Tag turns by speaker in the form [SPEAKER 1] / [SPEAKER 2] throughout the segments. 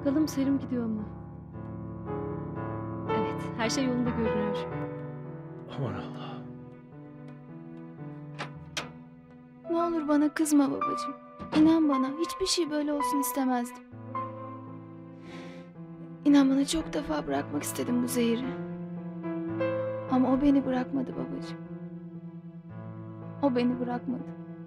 [SPEAKER 1] Bakalım serum gidiyor mu? Evet, her şey yolunda görünüyor.
[SPEAKER 2] Aman Allah.
[SPEAKER 3] Ne olur bana kızma babacığım. İnan bana hiçbir şey böyle olsun istemezdim. İnan bana çok defa bırakmak istedim bu zehri. Ama o beni bırakmadı babacığım. O beni bırakmadı.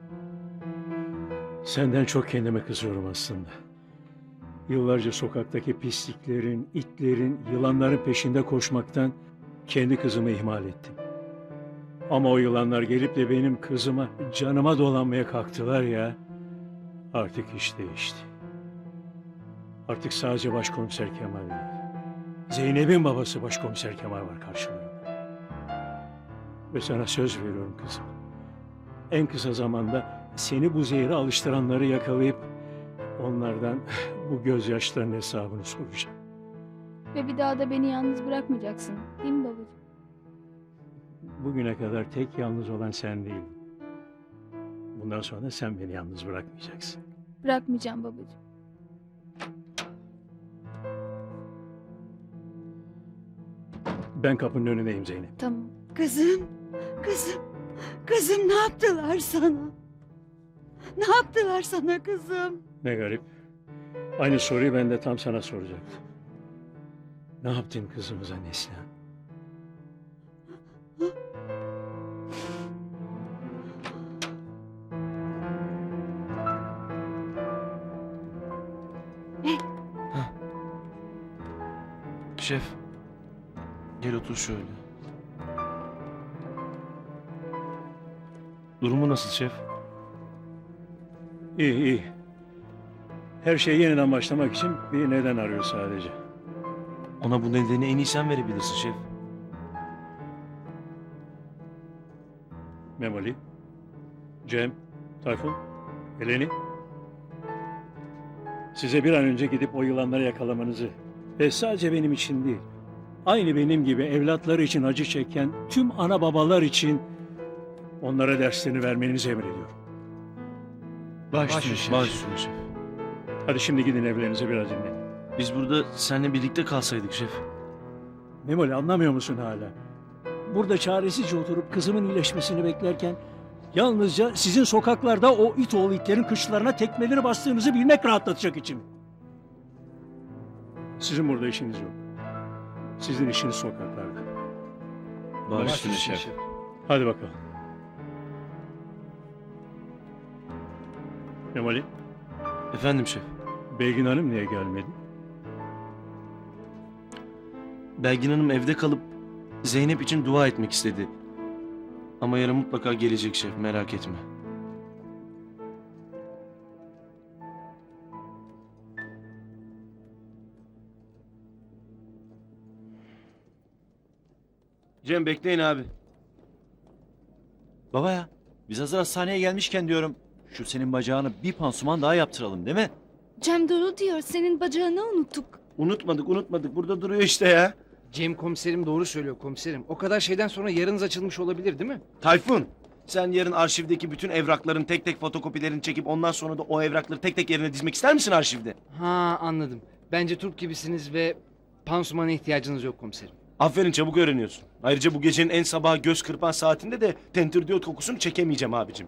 [SPEAKER 2] Senden çok kendime kızıyorum aslında. Yıllarca sokaktaki pisliklerin, itlerin, yılanların peşinde koşmaktan kendi kızımı ihmal ettim. Ama o yılanlar gelip de benim kızıma, canıma dolanmaya kalktılar ya. Artık iş değişti. Artık sadece Başkomiser Kemal değil. Zeynep'in babası Başkomiser Kemal var karşılarında. Ve sana söz veriyorum kızım. En kısa zamanda seni bu zehre alıştıranları yakalayıp onlardan bu gözyaşlarının hesabını soracağım.
[SPEAKER 3] Ve bir daha da beni yalnız bırakmayacaksın. Değil mi babacığım?
[SPEAKER 2] Bugüne kadar tek yalnız olan sen değildin. Bundan sonra sen beni yalnız bırakmayacaksın.
[SPEAKER 3] Bırakmayacağım babacığım.
[SPEAKER 2] Ben kapının önündeyim Zeynep.
[SPEAKER 3] Tamam.
[SPEAKER 4] Kızım, kızım, kızım ne yaptılar sana? Ne yaptılar sana kızım?
[SPEAKER 2] Ne garip. Aynı soruyu ben de tam sana soracaktım. Ne yaptın kızımıza Neslihan?
[SPEAKER 5] Şef, gel otur şöyle. Durumu nasıl şef?
[SPEAKER 2] İyi iyi. Her şeyi yeniden başlamak için bir neden arıyor sadece.
[SPEAKER 5] Ona bu nedeni en iyi sen verebilirsin şef.
[SPEAKER 2] Memoli, Cem, Tayfun, Eleni. Size bir an önce gidip o yılanları yakalamanızı ve sadece benim için değil, aynı benim gibi evlatları için acı çeken tüm ana babalar için onlara derslerini vermenizi emrediyorum.
[SPEAKER 5] Baş üstüne şef.
[SPEAKER 2] Hadi şimdi gidin evlerinize biraz dinlenin.
[SPEAKER 5] Biz burada seninle birlikte kalsaydık şef.
[SPEAKER 2] Memoli anlamıyor musun hala? Burada çaresizce oturup kızımın iyileşmesini beklerken yalnızca sizin sokaklarda o it oğlu itlerin kıçlarına tekmeleri bastığınızı bilmek rahatlatacak içimi. Sizin burada işiniz yok. Sizin işiniz sokaklarda.
[SPEAKER 5] Baş üstüne şef.
[SPEAKER 2] Hadi bakalım. Memoli,
[SPEAKER 5] Efendim şef.
[SPEAKER 2] Belgin Hanım niye gelmedi?
[SPEAKER 5] Belgin Hanım evde kalıp Zeynep için dua etmek istedi. Ama yarın mutlaka gelecek şef, merak etme. Cem bekleyin abi.
[SPEAKER 6] Baba ya, biz hazır hastaneye gelmişken diyorum, şu senin bacağını bir pansuman daha yaptıralım değil mi?
[SPEAKER 1] Cem doğru diyor, senin bacağını unuttuk.
[SPEAKER 5] Unutmadık. Burada duruyor işte ya.
[SPEAKER 7] Cem komiserim doğru söylüyor komiserim. O kadar şeyden sonra yarınız açılmış olabilir değil mi?
[SPEAKER 5] Tayfun, sen yarın arşivdeki bütün evrakların tek tek fotokopilerini çekip ondan sonra da o evrakları tek tek yerine dizmek ister misin arşivde?
[SPEAKER 7] Ha anladım. Bence Türk gibisiniz ve pansumana ihtiyacınız yok komiserim.
[SPEAKER 5] Aferin, çabuk öğreniyorsun. Ayrıca bu gecenin en sabaha göz kırpan saatinde de tentürdiyot kokusunu çekemeyeceğim abicim.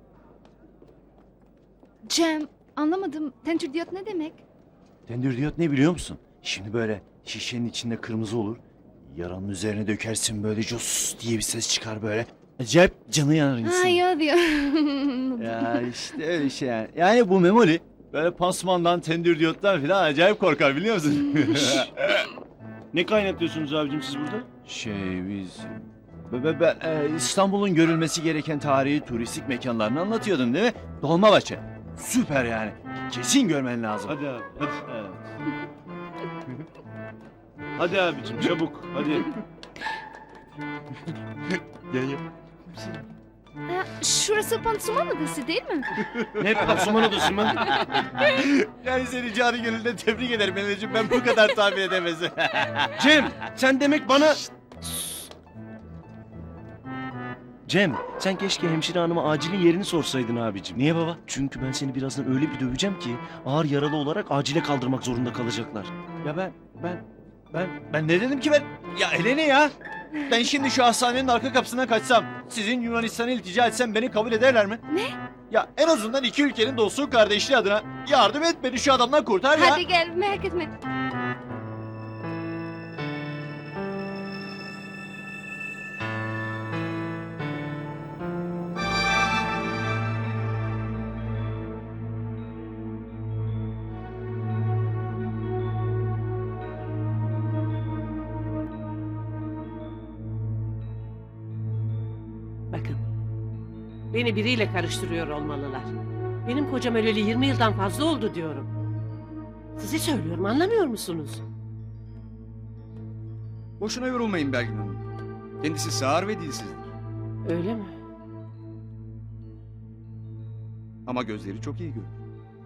[SPEAKER 1] Cem, anlamadım. Tentürdiyot ne demek?
[SPEAKER 6] Tendürdiyot ne biliyor musun? Şimdi böyle şişenin içinde kırmızı olur. Yaranın üzerine dökersin böyle cos diye bir ses çıkar böyle. Acayip canı yanar insan.
[SPEAKER 1] Ha ya diyor.
[SPEAKER 6] Ya işte öyle şey yani. Yani bu Memoli böyle pansumandan, tendürdiyottan falan acayip korkar biliyor musun?
[SPEAKER 5] Ne kaynatıyorsunuz abicim siz burada?
[SPEAKER 6] biz... Ben İstanbul'un görülmesi gereken tarihi turistik mekanlarını anlatıyordum değil mi? Dolmabahçe. Süper yani. Kesin görmen lazım.
[SPEAKER 5] Hadi abi, hadi.
[SPEAKER 6] Evet.
[SPEAKER 5] Hadi abicim, çabuk, hadi.
[SPEAKER 1] Ha, şurası pansuman odası değil mi?
[SPEAKER 5] Ne pansuman odası mı?
[SPEAKER 6] Yani seni canı gönülden tebrik ederim Meleciğim. Ben bu kadar tahmin edemezdim.
[SPEAKER 5] Cem, sen demek bana... Cem, sen keşke hemşire hanıma acilin yerini sorsaydın abicim.
[SPEAKER 6] Niye baba?
[SPEAKER 5] Çünkü ben seni birazdan öyle bir döveceğim ki ağır yaralı olarak acile kaldırmak zorunda kalacaklar.
[SPEAKER 6] Ya ben ne dedim ki ben? Ya Eleni ya. Ben şimdi şu hastanenin arka kapısından kaçsam, sizin Yunanistan'a iltica etsem beni kabul ederler mi?
[SPEAKER 1] Ne?
[SPEAKER 6] Ya en azından iki ülkenin dostluğu kardeşliği adına yardım et, beni şu adamdan kurtar ya.
[SPEAKER 1] Hadi gel, merak etme.
[SPEAKER 8] Bakın. Beni biriyle karıştırıyor olmalılar. Benim kocam öleli 20 yıldan fazla oldu diyorum. Size söylüyorum, anlamıyor musunuz?
[SPEAKER 9] Boşuna yorulmayın Belgin Hanım. Kendisi sağır ve dilsizdir.
[SPEAKER 8] Öyle mi?
[SPEAKER 9] Ama gözleri çok iyi görür.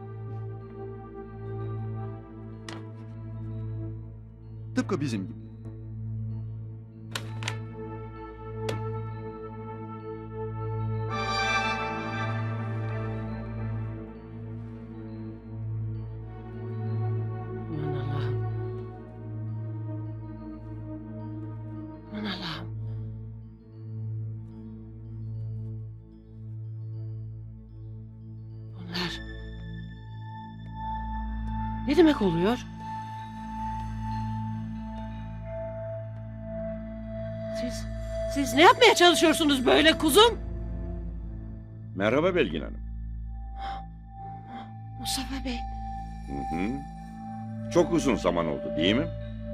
[SPEAKER 9] Tıpkı bizim gibi.
[SPEAKER 8] Aman Allah'ım. Aman Allah'ım. Bunlar... Ne demek oluyor? Siz ne yapmaya çalışıyorsunuz böyle kuzum?
[SPEAKER 10] Merhaba Belgin Hanım.
[SPEAKER 8] Mustafa Bey.
[SPEAKER 10] Hı hı. Çok uzun zaman oldu değil mi?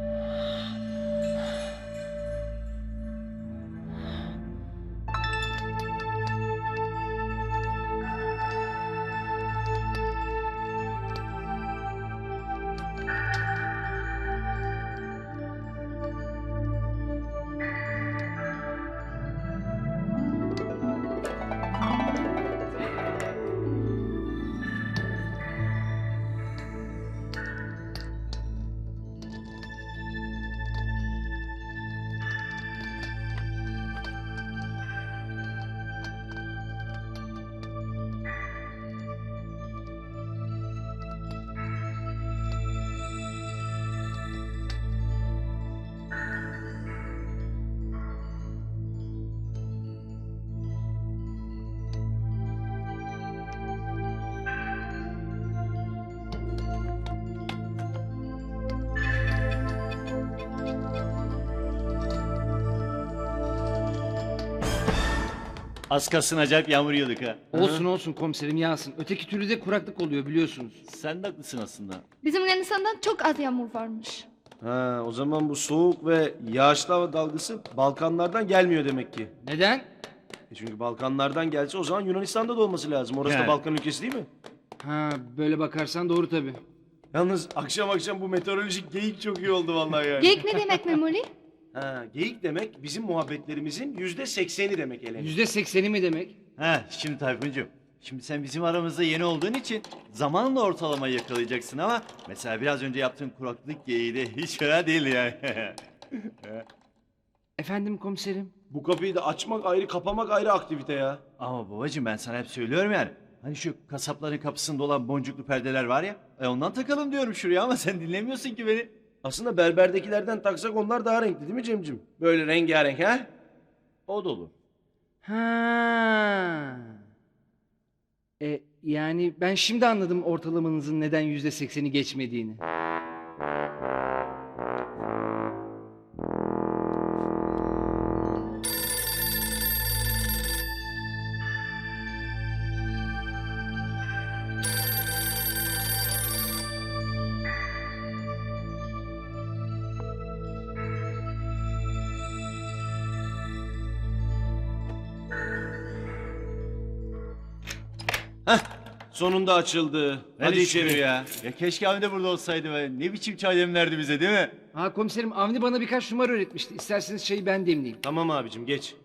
[SPEAKER 6] Az kalsın acayip yağmur yiyorduk ha.
[SPEAKER 7] Olsun olsun komiserim yağsın. Öteki türlü de kuraklık oluyor biliyorsunuz.
[SPEAKER 6] Sen de haklısın aslında.
[SPEAKER 1] Bizim Yunanistan'dan çok az yağmur varmış.
[SPEAKER 5] Ha, o zaman bu soğuk ve yağışlı hava dalgası Balkanlardan gelmiyor demek ki.
[SPEAKER 7] Neden?
[SPEAKER 5] Çünkü Balkanlardan gelse o zaman Yunanistan'da da olması lazım. Orası da
[SPEAKER 6] Yani.
[SPEAKER 5] Balkan ülkesi değil mi?
[SPEAKER 7] Ha böyle bakarsan doğru tabii.
[SPEAKER 5] Yalnız akşam akşam bu meteorolojik geyik çok iyi oldu vallahi yani.
[SPEAKER 1] Geyik ne demek Memoli?
[SPEAKER 5] Ha, geyik demek bizim muhabbetlerimizin %80'i demek Eleni.
[SPEAKER 7] %80'i mi demek?
[SPEAKER 6] Ha şimdi Tayfuncuğum. Şimdi sen bizim aramızda yeni olduğun için zamanla ortalamayı yakalayacaksın ama mesela biraz önce yaptığın kuraklık geyiği de hiç fena değil yani.
[SPEAKER 7] Efendim komiserim?
[SPEAKER 5] Bu kapıyı da açmak ayrı kapamak ayrı aktivite ya.
[SPEAKER 6] Ama babacığım ben sana hep söylüyorum yani. Hani şu kasapların kapısında olan boncuklu perdeler var ya. Ondan takalım diyorum şuraya ama sen dinlemiyorsun ki beni.
[SPEAKER 5] Aslında berberdekilerden taksak onlar daha renkli değil mi Cemcim? Böyle rengarenk ha? O da olur.
[SPEAKER 7] Ha. Yani ben şimdi anladım ortalamanızın neden %80'i geçmediğini.
[SPEAKER 5] Sonunda açıldı. Hadi içeri.
[SPEAKER 6] ya. Ya keşke Avni de burada olsaydı be. Ne biçim çay demlerdi bize değil mi?
[SPEAKER 7] Ha komiserim Avni bana birkaç numara öğretmişti. İsterseniz çayı ben demleyeyim.
[SPEAKER 5] Tamam abicim geç.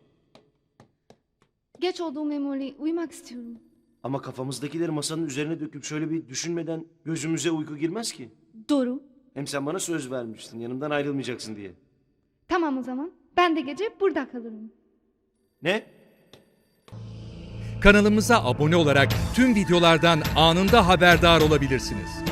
[SPEAKER 1] Geç oldu Memoli, uyumak istiyorum.
[SPEAKER 5] Ama kafamızdakileri masanın üzerine döküp şöyle bir düşünmeden gözümüze uyku girmez ki.
[SPEAKER 1] Doğru.
[SPEAKER 5] Hem sen bana söz vermiştin yanımdan ayrılmayacaksın diye.
[SPEAKER 1] Tamam o zaman. Ben de gece burada kalırım.
[SPEAKER 5] Ne?
[SPEAKER 11] Kanalımıza abone olarak tüm videolardan anında haberdar olabilirsiniz.